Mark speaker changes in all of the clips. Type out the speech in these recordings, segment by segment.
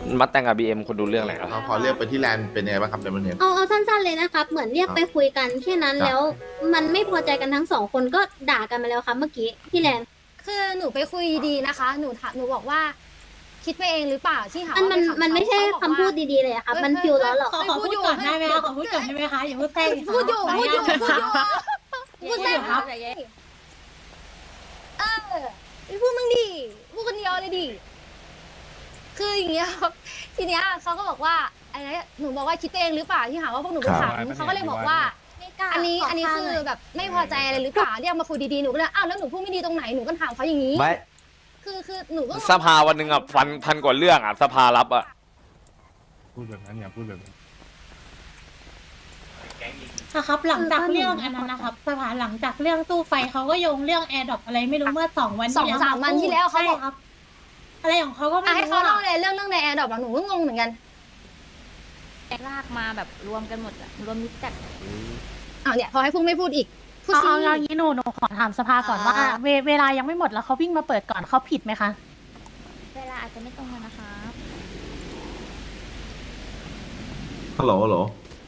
Speaker 1: มัดแต่งกับบีเอ็มคุณดูเรื่องอะไรครับ
Speaker 2: เขาพอเรียกไปที่แลนด์เป็นยังไงบ้างครับในประเทศ
Speaker 3: เอาสั้นๆเลยนะครับ เหมือนเรียกไปคุยกันแค่นั้น
Speaker 2: ครับ
Speaker 3: แล้ว มันไม่พอใจกันทั้งสองคนก็ด่ากันมาแล้วครับเมื่อกี้พี่แลน
Speaker 4: คือหนูไปคุยดีนะคะ หนูบอกว่า คิดไปเองหรือเปล่าที่หา
Speaker 3: มัน
Speaker 4: ว่า
Speaker 3: มัน
Speaker 4: ปขำ
Speaker 3: ไม่ใช่
Speaker 4: เขาบอก
Speaker 3: คำพูด
Speaker 4: ว่า
Speaker 3: ดีๆเลยอะครับ มันฟิลล้อหรอก
Speaker 5: ขอพูดก่อนได้ไหมคะขอพูดก่อนได้ไหมคะอย่าพูดแป้ง
Speaker 4: พูดอยู่พูดอยู่พูดอยู่พูดได้ครับพูดมึงดิพูดคนเดียวเลยดิคืออย่างเงี้ยครับทีเนี้ยเขาก็บอกว่าอะไรนะหนูบอกว่าคิดเองหรือเปล่าที่หาว่าพวกหนูไปขำเขาก็เลยบอกว่า อันนี้คือแบบไม่พอใจอะไรหรือเปล่าเรียกมาคุยดีๆหนูก็เลยอ้าวแล้วหนูพูดไม่ดีตรงไหนหนูก็ถามเขาอย่างนี้
Speaker 1: ไม่
Speaker 4: คือหนูก็
Speaker 1: สภาวันหนึ่งอ่ะพันกว่าเรื่องอ่ะสภารับอ่ะ
Speaker 6: พูดแบบนั้นอย่าพูดแบบนั้น
Speaker 5: ครับหลังจากเรื่องอันนั้นนะครับสภาหลังจากเรื่องตู้ไฟเขาก็โยงเรื่องแอร์ดรอปอะไรไม่รู้เมื่อ2 วันที่แล้ว
Speaker 4: 2-3 วันที่แล้วเขาบอก
Speaker 5: ใช่ครับ อะไรของเขาก็ไม่
Speaker 4: ให้
Speaker 5: รู้
Speaker 4: เขาเล่า
Speaker 5: อะ
Speaker 4: เลยเรื่องในแอร์ดรอปหนูก็งงเหมือนกัน
Speaker 7: ลากมาแบบรวมกันหมดอะรวมมิตรจัด
Speaker 4: อ้าวเนี่ยพอให้พุ่งไม่พูดอีกพูด
Speaker 5: เอา
Speaker 4: สิ
Speaker 5: เอาอย่างนี้หนูขอถามสภาก่อนว่าเวลายังไม่หมดแล้วเขาวิ่งมาเปิดก่อนเขาผิดไหมคะ
Speaker 7: เวลาอาจจะไม่ตรงกันนะคะ
Speaker 2: ฮัลโหลฮัลโหล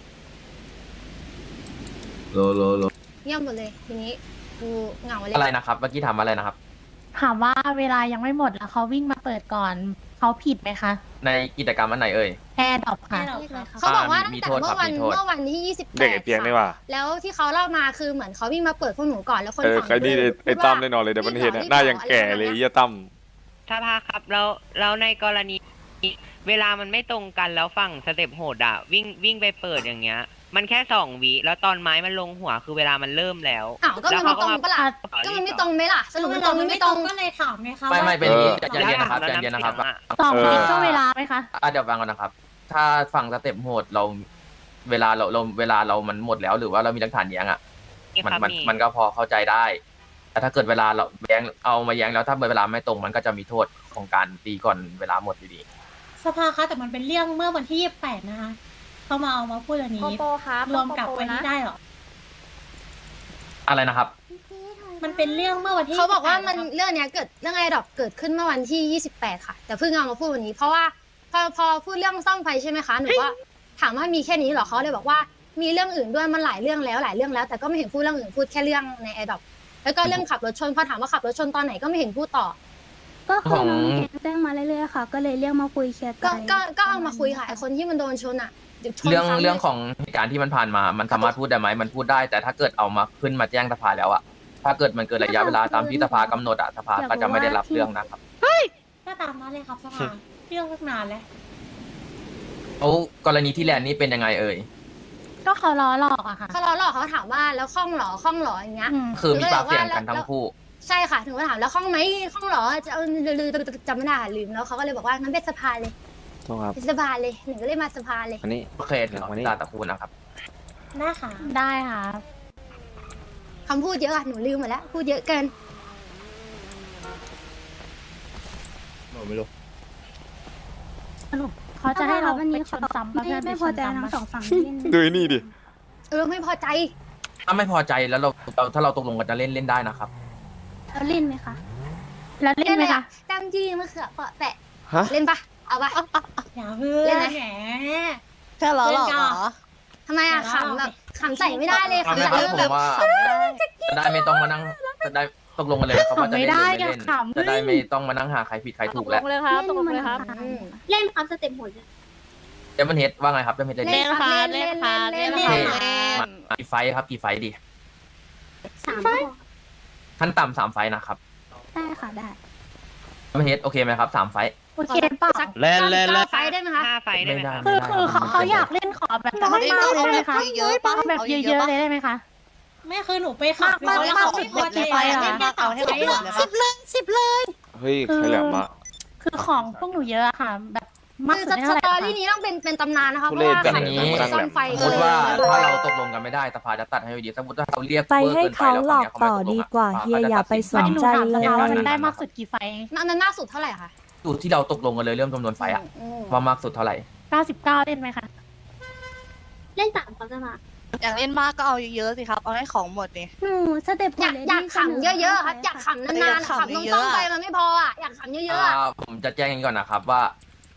Speaker 2: โหล
Speaker 4: เงียบหมดเลยทีนี้กูเหงาเลย
Speaker 8: อะไรนะครับเมื่อกี้ถามอะไรนะครับ
Speaker 5: ถามว่าเวลายังไม่หมดแล้วเขาวิ่งมาเปิดก่อนเขาผิดไหมคะ
Speaker 8: ในกิจกรรมอันไหนเอ่ย
Speaker 5: แอร์ดรอปค่ะ
Speaker 4: เขาบอกว่าตั้ง
Speaker 8: มี
Speaker 4: แต่
Speaker 8: โทษครับมีโทษ
Speaker 4: เมื่อวันที่28
Speaker 1: เด็กไอ้เปียกนี่ว่า
Speaker 4: แล้วที่เขาเล่ามาคือเหมือนเขาวิ่งมาเปิดพวกหนูก่อนแล้วคน
Speaker 1: ใครนี่ไอ้ตั้มแน่นอนเลยเดี๋ยวมันเห็นหน้ายังแก่เลยเยี่ยตั้ม
Speaker 9: สภาครับแล้วในกรณีเวลามันไม่ตรงกันแล้วฝั่งสเต็ปโหดอะวิ่งไปเปิดอย่างเงี้ย มันแค่2 วิแล้วตอนไม้มันลงหัวคือเวลามันเริ่มแล้ว
Speaker 4: อ้าวก็มันไม่ตรงปะล่ะก็มันไม่ตรงไหมล่ะสรุปมันตรงหรือไม่ตรง
Speaker 5: ก็เลยถามไงคะ
Speaker 8: ไม่
Speaker 5: ว่า
Speaker 8: เป็นอย่างนี้ใจเย็นนะครับใจเย็นนะครับ
Speaker 5: 2 วิก็เวลาไหมคะ
Speaker 8: เดี๋ยวฟังก่อนนะครับ ถ้าฝั่งสเต็ปโหดเราเวลาเรามันหมดแล้วหรือว่าเรามีหลักฐานแย้งอ่ะมันก็พอเข้าใจได้ แต่ถ้าเกิดเวลาเราแย้งเอามาแย้งแล้วถ้าเวลาไม่ตรงมันก็จะมีโทษของการตีก่อนเวลาหมดอยู่ดี
Speaker 5: สภาคะแต่มันเป็นเรื่องเมื่อวันที่28นะคะเขามาเอามาพูดอัน
Speaker 7: โป
Speaker 5: นี้
Speaker 7: โปครับ
Speaker 5: รวมกับ
Speaker 7: โปโป
Speaker 5: วันนี้ได้เหรอ
Speaker 8: อะไรนะครับ
Speaker 5: มันเป็นเรื่องเมื่อวันที่
Speaker 4: เขาบอกว่ามัน
Speaker 5: 28ะครับ
Speaker 4: เรื่องเนี้ยเรื่องไอดอปเกิดขึ้นเมื่อวันที่28ค่ะ แต่เพิ่งเอามาพูดวันนี้ เพราะว่าพอพูดเรื่องซ่อมไฟใช่ไหมคะหนูว่าถามว่ามีแค่นี้เหรอเขาเลยบอกว่ามีเรื่องอื่นด้วยมันหลายเรื่องแล้วแต่ก็ไม่เห็นพูดเรื่องอื่นพูดแค่เรื่องในไอดอปแล้วก็เรื่องขับรถชนพอถามว่าขับรถชนตอนไหนก็ไม่เห็นพูดต่อ
Speaker 3: ก็คือน้องแกแจ้งมาเรื่อยๆค่ะ ก็เลยเรียกมาคุยเคลียร์ใจ
Speaker 4: ก็เอามาคุยค่ะไอคนที่มันโดนชนอ่ะชน
Speaker 8: เรื่อง
Speaker 4: ซ้ำลย
Speaker 8: เรื่องของเหตุการณ์ที่มันผ่านมา มันสามารถพูดได้ไหมมันพูดได้ แต่ถ้าเกิดเอามาขึ้นมาแจ้งสภาแล้วอะถ้าเกิดมันเกินระยะเวลาตามที่สภากำหนดอะสภาก็จะไม่ได้รับเรื่องนะครับ
Speaker 5: ก็ตามนั้นเลยครับสภาเรื่องตั้งนานแล้ว
Speaker 8: โอ้กรณีที่แลนด์นี่เป็นยังไงเอ่ย
Speaker 5: ก็เขาล้อหลอกอะค่ะ
Speaker 4: เขาล้อหลอกเขาถามว่าแล้วคล่องเหรออย่างเงี้ย
Speaker 8: คือมีปากเสียงกันทั้งคู่
Speaker 4: ใช่ค่ะถึงก็ถามแล้วคล่องไหมคล่องเหรอจะเอาจำไม่ได้ลืมแล้วเขาก็เลยบอกว่างั้นเป็นสภาเลย
Speaker 1: โทษครับ
Speaker 4: เป็นสภาเลยหนึ่งก็เลยมาสภาเลย
Speaker 1: อันนี้
Speaker 8: โอเคเดี๋ยว
Speaker 1: วันนี้
Speaker 8: ตาตะพูดนะครับ
Speaker 5: ได้ค่ะ ได้ค่ะ
Speaker 4: คำพูดเยอะอะหนูลืมหมดแล้วพูดเยอะเกิน
Speaker 1: ไม่รู้
Speaker 5: สรุปเขาจะให้เรา
Speaker 3: วัน
Speaker 5: ไป
Speaker 3: นี้
Speaker 5: ชนซ้ำประเภท
Speaker 3: ไม่พอใจทั้งสองฝั่งที่
Speaker 1: ดูไอ้นี่ดิ
Speaker 4: ไม่พอใจ
Speaker 8: ถ้าไม่พอใจแล้วถ้าเราตกลงกันจะเล่นได้นะครับ
Speaker 3: เราเล่นไหมคะ
Speaker 5: แล้วเล่นไหมคะ
Speaker 4: ตามจีมะเขือเปาะแปะ
Speaker 1: ฮะ
Speaker 4: เล่นปะเอาปะ
Speaker 5: อย่าเพื่อ
Speaker 4: เล่
Speaker 5: น
Speaker 4: นไหม
Speaker 5: แหม
Speaker 10: แค่ล้อหลอกเหรอ
Speaker 4: ทำไมอะขำแบบขำใส่ไม่ได้เลย
Speaker 8: เอา
Speaker 4: ขำ
Speaker 8: ไหม
Speaker 4: ใส่
Speaker 8: ครับ
Speaker 4: เริ่ม
Speaker 8: ผ
Speaker 4: แบบ
Speaker 8: มว่าจะได้ไม่ต้องมานั่งจะได้ตกลงกันเลยนะครับว่าจะเล่นหรือไม่เล่นจะได้ไม่ต้องมานั่งหาใครผิดใครถูกแล้ว
Speaker 7: เลยครับตกลงเลยครับ
Speaker 3: เล่นครับสเต็ปโหด
Speaker 8: เดมอนเฮดว่าไงครับเดมอนเฮดเล่น
Speaker 4: เล่นค่ะเล่นค่ะเล่น
Speaker 8: โอเค
Speaker 4: ค่ะ
Speaker 8: กี่ไฟท์ครับกี่ไฟท์ดี
Speaker 3: 3
Speaker 8: ขั้นต่ำ3 ไฟท์นะครับ
Speaker 3: ได้ค่ะได้
Speaker 8: เดมอนเฮดโอเคไหมครับ3 ไฟท์
Speaker 5: โอเคเปล่า
Speaker 1: เล่น
Speaker 4: ไฟได้ไหมคะ
Speaker 9: 5 ไฟได้
Speaker 8: ไม่
Speaker 9: ไหม
Speaker 8: ได้
Speaker 9: ครับ
Speaker 5: คือเขาอยากเล่นขอแบบมากๆเลยไหมคะ
Speaker 10: เยอะๆปะ
Speaker 5: เอาแบบเยอะๆเลยได้ไหมคะไม่คือหนูไปขับเขาขับ10 นาทีไปเหรอ
Speaker 10: เอาให้เขาหมดเลยปะ
Speaker 1: เฮ้ยใครแหลมอะ
Speaker 5: คือของพวกหนูเยอะอะค่ะ แบบมาก
Speaker 4: คือ
Speaker 5: สุด
Speaker 4: ส
Speaker 5: เท่าไหร่
Speaker 4: ตอรี่นี้ต้องเป็นตำนานนะคะเพ
Speaker 1: ทุ
Speaker 4: ราะ
Speaker 1: เรศ
Speaker 4: ว่า
Speaker 1: กัน
Speaker 8: อย่างนี้
Speaker 4: ซ่อมไฟ
Speaker 8: สมมติว่าถ้าเราตกลงกันไม่ได้สภาจะตัดให้ดีสมมติว่าเราเรียก
Speaker 11: ไป
Speaker 8: วอร์
Speaker 11: ให้
Speaker 8: กิน
Speaker 11: เขา
Speaker 8: แล้ว
Speaker 11: หลอก
Speaker 8: ฝั่ง
Speaker 11: ต่อ
Speaker 8: นี้
Speaker 11: ดี
Speaker 8: เข
Speaker 11: กว่า
Speaker 8: ไม่ต
Speaker 11: เฮีย
Speaker 8: ลงะ
Speaker 11: อย่าไปสน
Speaker 5: หนู
Speaker 11: ใจ
Speaker 5: ถาม
Speaker 11: เล
Speaker 5: ส
Speaker 11: ย
Speaker 5: ภาว่ามันได้มากสุดกี่ไฟ
Speaker 4: มันมากสุดเท่าไหร่คะ
Speaker 8: สูตรที่เราตกลงกันเลยเรื่องจำนวนไฟอะว่ามากสุดเท่าไหร่
Speaker 5: 99 เล่นไหมคะ
Speaker 3: เล่น3เขาจะมา
Speaker 10: อยากเล่นมากก็เอาเยอะๆสิครับ เอาให้ของหมดนี่
Speaker 3: หนูสเต็ปโห
Speaker 4: อยา
Speaker 3: ด
Speaker 4: ก
Speaker 3: เลย
Speaker 4: อยากขำเยอะๆครับอยากขำนานๆขำต้อง
Speaker 10: เย
Speaker 4: ต้อ
Speaker 10: อะ
Speaker 4: ง
Speaker 10: ๆ
Speaker 4: ไปมันไม่พออ่ะอยากขำเยอะๆอะ
Speaker 8: ผมจะแจ้งอย่างนี้ก่อนนะครับว่า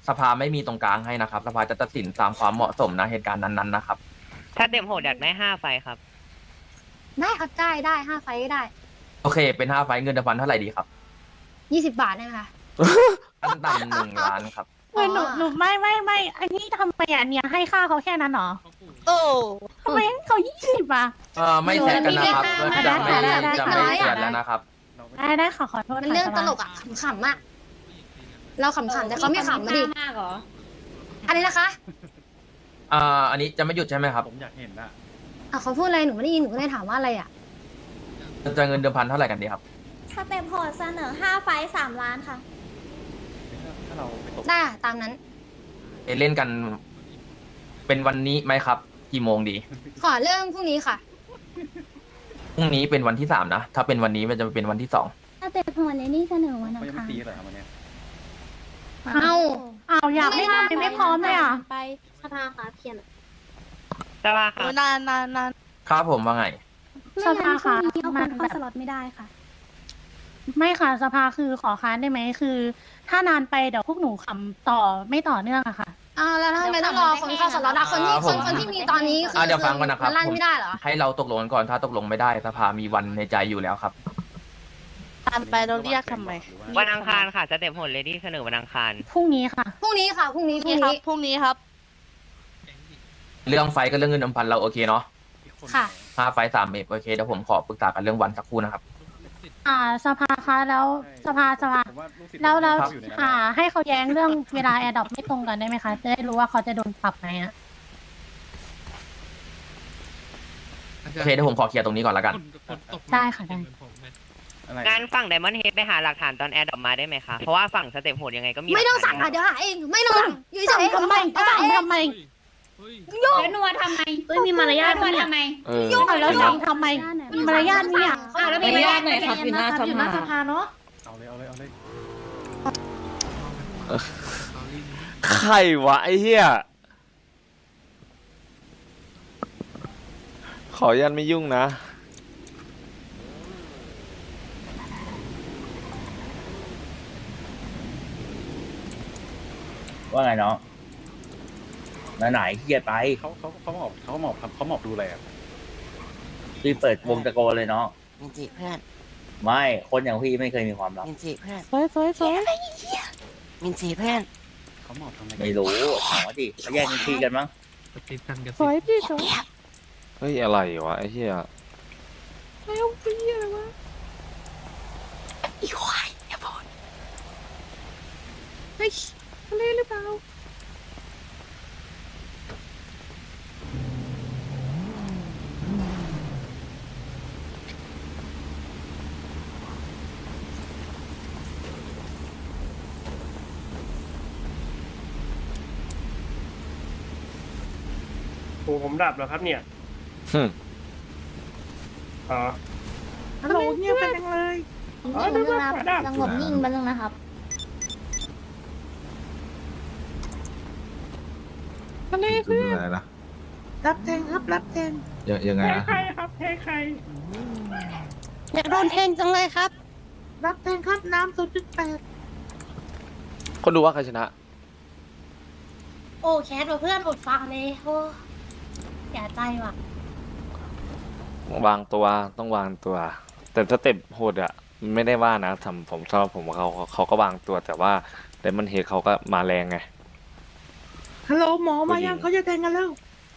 Speaker 8: สภาไม่มีตรงกลางให้นะครับ สภาจะตัดสินตามความเหมาะสมนะเหตุการณ์นั้นๆนะครับ
Speaker 9: ถ้าเต็มโหดอยากได้5 ไฟครับ
Speaker 4: ได้ครับได้5 ไฟก็ได้
Speaker 8: โอเคเป็น5 ไฟล์เงินเดือนพันเท่าไหร่ดีครับ
Speaker 4: 20 บาทได้ไหมคะ
Speaker 8: ขั้นต่ำ1 ล้านครับ
Speaker 5: เฮ้ยหนูไม่อันนี้ทำไมอ่ะเนี่ยให้ค่าเขาแค่นั้นเหรอ
Speaker 10: โอ้
Speaker 5: ทำไมให้เขา20อ่ะ
Speaker 8: ไม่แซดกันนะครับ
Speaker 4: ได้
Speaker 8: จะไม่
Speaker 4: ได้
Speaker 8: จะไม่เสียดแล้วนะครับ
Speaker 5: ได้ขอโทษ
Speaker 4: มันเรื่องตลกอ่ะขำๆอ่ะเราขำๆแต่เขาไม่ขำมาดิ
Speaker 7: มากเหรอ
Speaker 4: อะไรนะคะ
Speaker 8: อันนี้จะไม่หยุดใช่ไหมครับ
Speaker 6: ผมอยากเห็นอะ
Speaker 4: เขาพูดอะไรหนูไม่ได้ยินหนูก็เลยถามว่าอะไรอ่ะ
Speaker 8: จะเงินเดือนพันเท่าไหร่กันดีครับ
Speaker 3: สเต็ปโหดเสนอ5 ไฟ3 ล้านค่ะ
Speaker 6: ถ้าเราไปตก
Speaker 4: ได้ตามนั้น
Speaker 8: เล่นกันเป็นวันนี้ไหมครับ กี่โมงดี
Speaker 4: ขอเรื่องพรุ่งนี้ค่ะ
Speaker 8: พรุ่งนี้เป็นวันที่3นะถ้าเป็นวันนี้มันจะเป็นวันที่2
Speaker 3: สเต็ปโหดในนี่เสนอวันอั
Speaker 6: เขา
Speaker 3: ง
Speaker 6: ยังไม่
Speaker 3: คาร
Speaker 6: ตีเลยครับวันเนี้ย
Speaker 4: เอา
Speaker 5: อยากเล่นทำไมไม่พร้อมเลยอ่ะ
Speaker 3: ไปสภาค่ะเพียน
Speaker 9: สภาค
Speaker 10: โห
Speaker 9: รับ
Speaker 10: นาน
Speaker 8: ครับผมว่าไง
Speaker 5: สภาค่ะ
Speaker 3: เอา
Speaker 5: มั
Speaker 3: คน
Speaker 5: น
Speaker 3: เข้า
Speaker 5: แบบ
Speaker 3: สล็อตไม่ได้ค่ะ
Speaker 5: ไม่ค่ะสภาคือขอค้านได้ไหมคือ ถ้านานไปเดี๋ยวพวกหนูขำต่อไม่ต่อเนื่องอะค่ะ
Speaker 4: แล้วทำไมต้องรอคนเข้าสล็อตอะคนที่
Speaker 8: ผม
Speaker 4: คนที่มีตอนนี้คือ
Speaker 8: เดี๋ยวฟังก่อนนะครับ
Speaker 4: มันลั่นไม่ได้เหรอ
Speaker 8: ให้เราตกลงกันก่อนถ้าตกลงไม่ได้สภามีวันในใจอยู่แล้วครับ
Speaker 10: ตามไปเราเรียกทำไม
Speaker 9: วันอังคารค่ะสเต็ปโหดเลดี้เสนอวันอังคาร
Speaker 5: พรุ่งนี้ค่ะ
Speaker 4: พรุ่งนี้ค่ะพรุ่งนี้
Speaker 10: พรุ่งนี้ครับ
Speaker 8: เรื่องไฟกับเรื่องเงินเดือนพันเราโอเคเนาะ
Speaker 4: ค่ะ
Speaker 8: 5 ไฟ3 เมตรโอเคเดี๋ยวผมขอปรึกษากันเรื่องวันสักครู่นะครับ
Speaker 5: สภาคะแล้วสภา
Speaker 6: ผมว่าลูกศิษย์
Speaker 5: แล้ว
Speaker 6: ผมอยู่ในนั้นนะ
Speaker 5: ให้เขาแย้งเรื่องเวลาแอร์ดรอปไม่ตรงกันได้ไหมคะจะได้รู้ว่าเขาจะโดนปรับไหมอะ
Speaker 8: โอเคเดี๋ยวผมขอเคลียร์ตรงนี้ก่อนแล้วกัน
Speaker 5: ได้ค่ะได้
Speaker 6: อะไร
Speaker 9: งานฝั่งไดมอนด์เฮดไปหาหลักฐานตอนแอร์ดรอปมาได้ไหมคะ เพราะว่าฝั่งสเต็ปโหดยังไงก็มี
Speaker 4: ไม่ต้อง
Speaker 9: หลั
Speaker 4: สั่
Speaker 9: ก
Speaker 4: ง
Speaker 9: ฐา
Speaker 4: อ่ะ
Speaker 9: น
Speaker 4: เดี๋ยวหาเองไม่ต้องสั่งอยู่เฉย
Speaker 5: ทำไมทำไม
Speaker 7: แล้วนัวทำไมมีมารยาทนัวทำไม
Speaker 5: แล้วสั่งทำไมมีมารยาทเนี่ย
Speaker 7: แล้วมีมารยาทไหนครับอยู่หน้าสภาเนาะ
Speaker 6: เอาเลย
Speaker 1: ใครวะไอ้เหี้ยขอยันไม่ยุ่งนะ
Speaker 11: ว่าไงน้องไหนขี้เกียจไป
Speaker 6: เขาหมอบดูอะไรอ่ะ
Speaker 11: พี่เปิดวงตะโกนเลยน้อง
Speaker 10: มินจิเพื่อน
Speaker 11: ไม่คนอย่างพี่ไม่เคยมีความลับ
Speaker 10: มินจิเพื่อน
Speaker 5: สวย
Speaker 10: มินจิเพื่อน
Speaker 6: เขาหมอบทำไม
Speaker 11: ไม่รู้ถามว่าดิเขาแย่งกันทีกันมั้ง
Speaker 5: สวยพี่สวย
Speaker 1: เฮ้ยอะไรวะไอ้เหี้ย
Speaker 10: อีควายอย่าพูด
Speaker 6: โอ้ผมดับแล้วครับเนี่ย
Speaker 1: หึ
Speaker 6: อ๋อ
Speaker 5: ฮัลโหลเงียบไปจังเลย
Speaker 3: สงบนิ่งบ้างนะครับ
Speaker 2: คืออะไรนะ
Speaker 5: รับแทงครับรับแทง
Speaker 2: ยังไงนะ
Speaker 6: ครับเทใคร
Speaker 10: อยากโดนแทงจังเลยครับ
Speaker 5: รับแทงครับน้ำ0.8
Speaker 1: คนดูว่าใครชนะ
Speaker 5: โอ้แคทเพื่อนอดฟังเลยโอ้เสียใจว่ะ
Speaker 1: วางตัวต้องวางตัว แต่สเต็ปโหดอะไม่ได้ว่านะทำผมชอบผมว่าเขาก็วางตัวแต่ว่าไดมอนด์เฮดเขาก็มาแรงไง
Speaker 5: ฮัลโหลหมอมายังเขาจะแทงกันแล้ว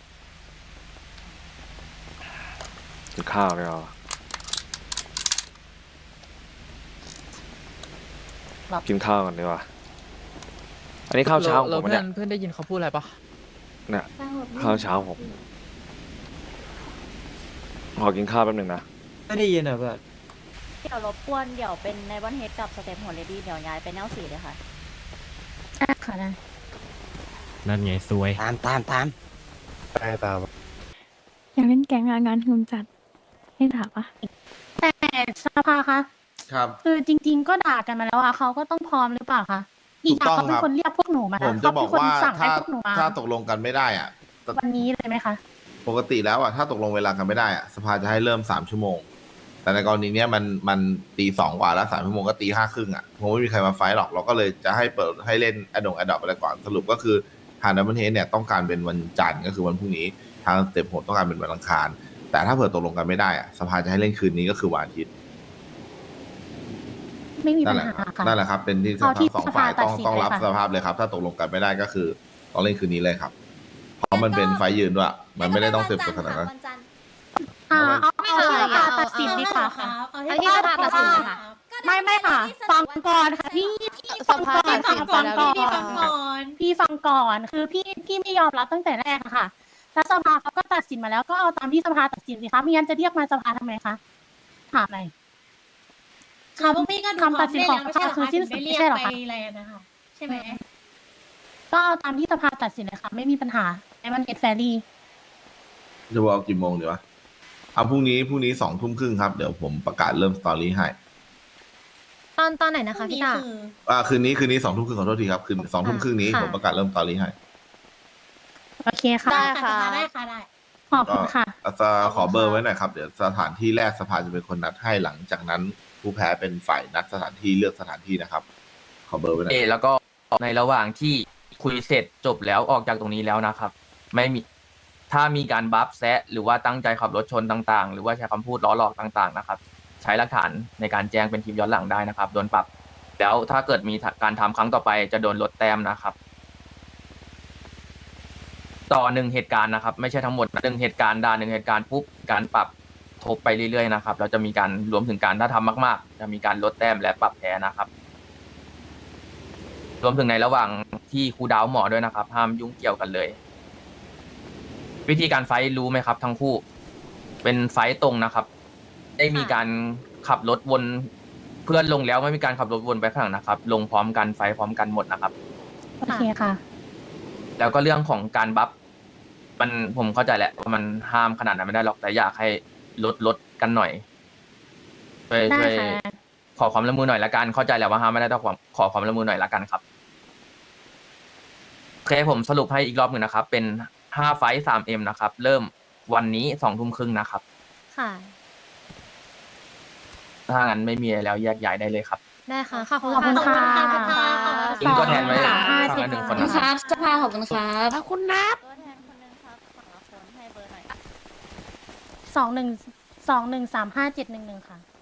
Speaker 1: กินข้าวเลยเหรอกินข้าวกันดีกว่าอันนี้ข้าวเช้าผมเนี่ย
Speaker 8: เพื่อนได้ยินเขาพูดอะไรปะ
Speaker 1: เนี่ยข้าวเช้าผมขอกินข้าวแป๊บหนึงนะ
Speaker 8: ไม่ได้ยินอ่ะเพื่อน
Speaker 7: เดี๋ยวรบกวนเดี๋ยวเป็นในวันเฮดกับสเต็ปโหดเลดี้เดี๋ยวย้ายไปแนว4เลยค่ะ
Speaker 5: ค่ะนะ
Speaker 6: นั่นไงซวย
Speaker 10: ตาม
Speaker 6: ตาม
Speaker 3: อยากเล่นแก๊งงานหืมจัดให้ถามปะ
Speaker 5: แต่สภาคะ
Speaker 2: ครับ
Speaker 5: คือจริง ๆ ก็ด่ากันมาแล้วอะเขาก็ต้องพร้อมหรือเปล่าคะอีกอย่างเขาเป็นคนเรียกพวกหนูมา
Speaker 2: ผมจะบอกว่า
Speaker 5: เขเป็นคนสั่งให้พวกหนูมา
Speaker 2: ถ้าตกลงกันไม่ได้อ่ะ
Speaker 5: วันนี้เลยไหมคะ
Speaker 2: ปกติแล้วอ่ะถ้าตกลงเวลากันไม่ได้อ่ะสภาจะให้เริ่ม3 ชั่วโมงแต่ในกรณีเนี้ยมันตี2 กว่าแล้ว3 ชั่วโมงก็ตี 5 ครึ่งอ่ะคงไม่มีใครมาไฟท์หรอกเราก็เลยจะให้เปิดให้เล่นอดอปอะไรก่อนสรุปก็คือทางดับเบิลเฮดเนี่ยต้องการเป็นวันจันทร์ก็คือวันพรุ่งนี้ทางสเต็ปโหดต้องการเป็นวันอังคารแต่ถ้าเผื่อตกลงกันไม่ได้อะสภาจะให้เล่นคืนนี้ก็คือวันอาทิตย์
Speaker 5: ไม่มี
Speaker 2: นั่
Speaker 5: ปั
Speaker 2: น
Speaker 5: ญ
Speaker 2: แหละ
Speaker 5: หาค่ะ
Speaker 2: นั่นแหละครับเป็นที่
Speaker 5: เอาที่
Speaker 2: ทั้ง2 ฝ่าย
Speaker 5: สภาตัดสิน
Speaker 2: ต้องรับ
Speaker 5: เลยค่ะ
Speaker 2: สภาพเลยครับถ้าตกลงกันไม่ได้ก็คือต้องเล่นคืนนี้เลยครับเพราะมันเป็นไฟล์ยืนด้วยมันไม่ได้ต้องเต็มตัวขนาดนั้น
Speaker 3: วันจันทร์
Speaker 5: เอาที่สภาตัดสินดีกว่าค่ะ
Speaker 4: เอาที่สภาตัดสินเลยค่ะ
Speaker 5: ไม่ค่ะ ฟังก่อนค่ะพี่ฟังก่อนค่ะฟังก่อนพี่ฟังก่อนคือพี่ไม่ยอมรับตั้งแต่แรกอะค่ะแล้วสภาเขาก็ตัดสินมาแล้วก็เอาตามที่สภาตัดสินสิคะไม่งั้นจะเรียกมาสภาทำไมคะถามอะไร
Speaker 10: ค่ะพวกพี่ก็ดู
Speaker 5: คำตัดสินของสภาคือสิ้นสุดไม่ใช่เหรอคะ
Speaker 10: อะไรนะคะใช่ไหม
Speaker 5: ก็เอาตามที่สภาตัดสินเลยค่ะไม่มีปัญหาไอ้มันเก็ตแฟรี่
Speaker 2: จะบอกกี่โมงดีวะเอาพรุ่งนี้2 ทุ่มครึ่งครับเดี๋ยวผมประกาศเริ่มสตอรี่ให้
Speaker 4: ตอนไหนนะคะพี่ตา
Speaker 2: คืนนี้2 ทุ่มครึ่งขอโทษทีครับคืน2 ทุ่มครึ่งนี้
Speaker 4: ค่ะ
Speaker 2: ผมประกาศเริ่มสตอรี่ให้
Speaker 5: โอเคค่ะ
Speaker 10: ได้ค่ะได้ค่ะได้
Speaker 5: ขอบคุณค่ะ
Speaker 2: จะขอเบอร์ไว้หน่อยครับเดี๋ยวสถานที่แรกสภาจะเป็นคนนัดให้หลังจากนั้นผู้แพ้เป็นฝ่ายนัดสถานที่เลือกสถานที่นะครับ ขอเบอร์ไว้หน่อย
Speaker 8: แล้วก็ในระหว่างที่คุยเสร็จจบแล้วออกจากตรงนี้แล้วนะครับ ไม่มีถ้ามีการบัฟแซะหรือว่าตั้งใจขับรถชนต่างๆ หรือว่าใช้คำพูดล้อหลอกต่างๆนะครับ ใช้หลักฐานในการแจ้งเป็นคลิปย้อนหลังได้นะครับโดนปรับแล้วถ้าเกิดมีการทำครั้งต่อไปจะโดนลดแต้มนะครับ ต่อ1 เหตุการณ์นะครับ ไม่ใช่ทั้งหมด1 เหตุการณ์ด่า1 เหตุการณ์ปุ๊บการปรับทบไปเรื่อยๆนะครับเราจะมีการรวมถึงการถ้าทำมากๆจะมีการลดแต้มและปรับแพ้นะครับรวมถึงในระหว่างที่ครูดาวหมอด้วยนะครับห้ามยุ่งเกี่ยวกันเลย วิธีการไฟท์รู้ไหมครับทั้งคู่เป็นไฟท์ตรงนะครับได้มีการขับรถวนเพื่อนลงแล้วไม่มีการขับรถวนไปข้างหลังนะครับลงพร้อมกันไฟท์พร้อมกันหมดนะครับ
Speaker 5: โอเคค่ะ
Speaker 8: แล้วก็เรื่องของการบัฟมันผมเข้าใจแหละว่ามันห้ามขนาดนั้นไม่ได้หรอกแต่อยากให้ลดกันหน่อยช่วย
Speaker 5: ได้
Speaker 8: ช่วย
Speaker 5: ค่ะ
Speaker 8: ขอความร่วมมือหน่อยละกันเข้าใจแหละว่าห้ามไม่ได้แต่ขอความร่วมมือหน่อยละกันครับโอเคผมสรุปให้อีกรอบหนึ่งนะครับเป็น5 ไฟท์ 3M นะครับเริ่มวันนี้2 ทุ่มครึ่งนะครับ
Speaker 4: ค่ะ
Speaker 8: ถ้างั้นไม่มีอะไรแล้วแยกย้ายได้เลยครับ
Speaker 4: ได้ค่ะขอบคุณ
Speaker 5: ขอบคุณค่ะ
Speaker 8: อิงก็แทนไว้
Speaker 5: สอง
Speaker 8: ข้างละ1 คนนะครับ
Speaker 10: สภาขอบคุณครับ
Speaker 7: ขอบคุณนับตัวแทนคนนึงครับฝั่งละคนให้เบอร์หน่อย
Speaker 5: 2131357111ค่ะ